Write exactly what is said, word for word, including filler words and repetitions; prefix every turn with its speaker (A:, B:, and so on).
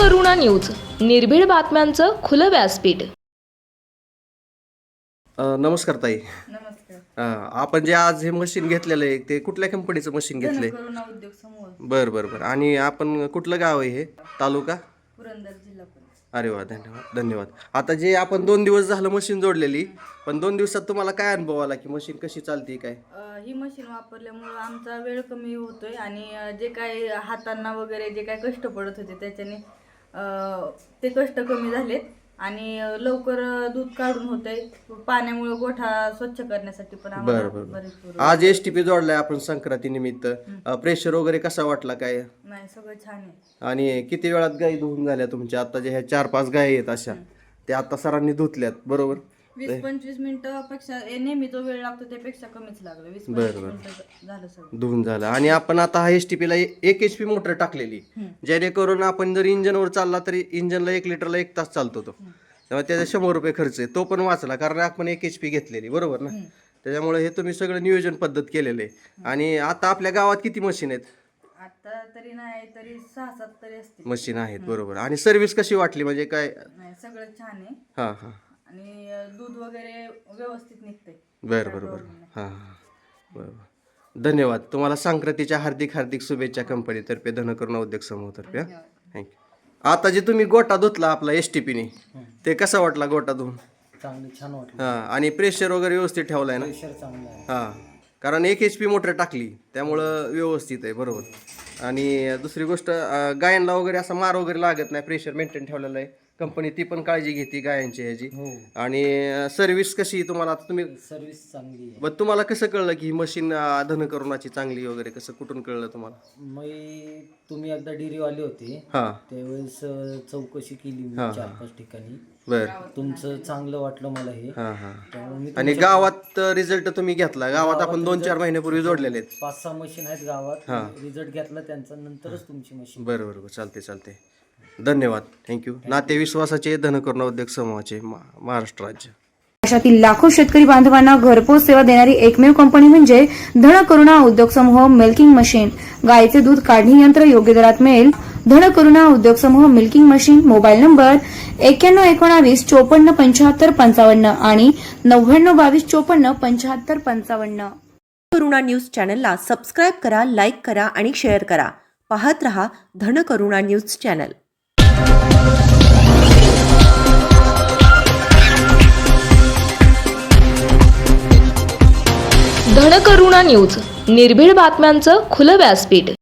A: धनकरुणा news, निर्भीड बातम्यांचं खुलं व्यासपीठ.
B: नमस्कार ताई.
C: नमस्कार.
B: अ, आपण जे आज हे मशीन घेतलेलं आहे ते कुठल्या कंपनीचं मशीन घेतलंय?
C: धनकरुणा उद्योग समूह,
B: बर बर बर. आणि आपण कुठलं गाव आहे हे? तालुका
C: पुरंदर जिल्हा पुणे.
B: अरे वा, धन्यवाद धन्यवाद. आता जे आपण दोन दिवस झालं मशीन जोडलेली, पण दोन दिवसात तुम्हाला काय अनुभव आला की मशीन कशी चालते काय?
C: अ, ही मशीन वापरल्यामुळं आमचा वेळ कमी होतोय आणि अ, जे काही हातांना वगैरे जे काही कष्ट पडत होते त्याच्याने अ, ते कष्ट कमी झालेत आणि अ, लवकर दूध काढून होतंय. पाण्यामुळे गोठा स्वच्छ करण्यासाठी पण आम्हाला
B: बरं बरं
C: बरेच
B: बरं.
C: पूरक.
B: आज एस टी पी जोडलाय आपण संक्रांती निमित्त. प्रेशर वगैरे कसा वाटला काय?
C: नाही, सगळं छान आहे.
B: आणि किती वेळात गाई धुवून झाल्या तुमच्या? आता जे ह्या चार पाच गायी आहेत अशा, त्या आता सरांनी धुतल्यात बरोबर?
C: वीस पंचवीस मिनिटापेक्षा नेहमी जो वेळ लागतो त्यापेक्षा कमीच लागलं. वीस
B: बरं,
C: पंचवीस
B: बरं.
C: मिनिटं झालं सगळं.
B: धुवून झालं. आणि आपण आता हा एस टी पीला एक एच पी मोटर टाकलेली, जेणेकरून आपण जर इंजनवर चालला तरी इंजनला एक लिटरला एक तास चालतो तो, त्यामुळे त्याचा शंभर रुपये खर्च आहे, तो पण वाचला कारण आपण एक एच पी घेतलेली बरोबर ना. त्याच्यामुळे हे तुम्ही सगळं नियोजन पद्धत केलेलं आहे. आणि आता आपल्या गावात किती मशीन आहेत?
C: आता तरी नाही तरी सहा सात तरी असतील
B: मशीन आहेत बरोबर. आणि सर्व्हिस कशी वाटली म्हणजे काय?
C: नाही, सगळं छान आहे
B: हां हां
C: आणि अ, दूध वगैरे व्यवस्थित निघतंय.
B: बरं बरं बरं. हां हां बरं. धन्यवाद. तुम्हाला संक्रांतीच्या हार्दिक हार्दिक शुभेच्छा कंपनीतर्फे, धनकरुणा उद्योग समूहातर्फे. हां, थँक्यू. आता जे तुम्ही गोटा धुतला आपला एस टी पीने, ते कसा वाटला गोटा धुवून?
D: चांगली छान वाटलं.
B: हां. आणि प्रेशर वगैरे व्यवस्थित ठेवलाय ना?
D: प्रेशर चांगलं आहे.
B: हां, कारण एक एच पी मोटर टाकली त्यामुळं व्यवस्थित आहे बरोबर. आणि दुसरी गोष्ट, अं, गायांना वगैरे असा मार वगैरे लागत नाही, प्रेशर मेंटेन ठेवलेलं आहे कंपनी, ती पण काळजी घेते गायांची ह्याची.
D: हो,
B: आणि सर्व्हिस कशी तुम्हाला? आता तुम्ही
D: सर्विस चांगली आहे.
B: मग तुम्हाला कसं कळलं की ही मशीन धनकरुणाची चांगली वगैरे, कसं कुठून कळलं तुम्हाला?
D: मी तुम्ही एकदा डेअरीवाले होते
B: हां
D: त्यावेळेस अ, चौकशी केली मी
B: हां,
D: चार पाच ठिकाणी.
B: बरं.
D: तुमचं चांगलं वाटलं मला हे.
B: हां हां.
D: त्यामुळे मी
B: आणि गावात रिझल्ट तुम्ही घेतला? गावात आपण दोन चार महिन्यापूर्वी जोडलेले आहेत.
D: पाच सहा मशीन आहेत गावात, रिझल्ट घेतला त्यांचा, नंतरच तुमची मशीन.
B: बरं बरं बरं. चालते चालते. धन्यवाद. थँक्यू. नाते विश्वासाचे धनकरुणा उद्योग समूहाचे मा- महाराष्ट्र राज्य.
E: देशातील लाखो शेतकरी बांधवांना घरपोच सेवा देणारी एकमेव कंपनी म्हणजे धनकरुणा उद्योग समूह मिल्किंग मशीन. गायीचे दूध काढणी यंत्र योग्य दरात मिळेल. धनकरुणा उद्योग समूह मिल्किंग मशीन. मोबाईल नंबर एक्क्याण्णव एकोणावीस चोपन्न पंच्याहत्तर पंचावन्न आणि नव्याण्णव बावीस चोपन्न पंच्याहत्तर पंचावन्न.
F: धनकरुणा न्यूज चॅनलला सबस्क्राईब करा, लाईक करा आणि शेअर करा. पाहत रहा Dhankaruna news channel.
A: Dhankaruna news, निर्भीड बातम्यांचं खुलं व्यासपीठ.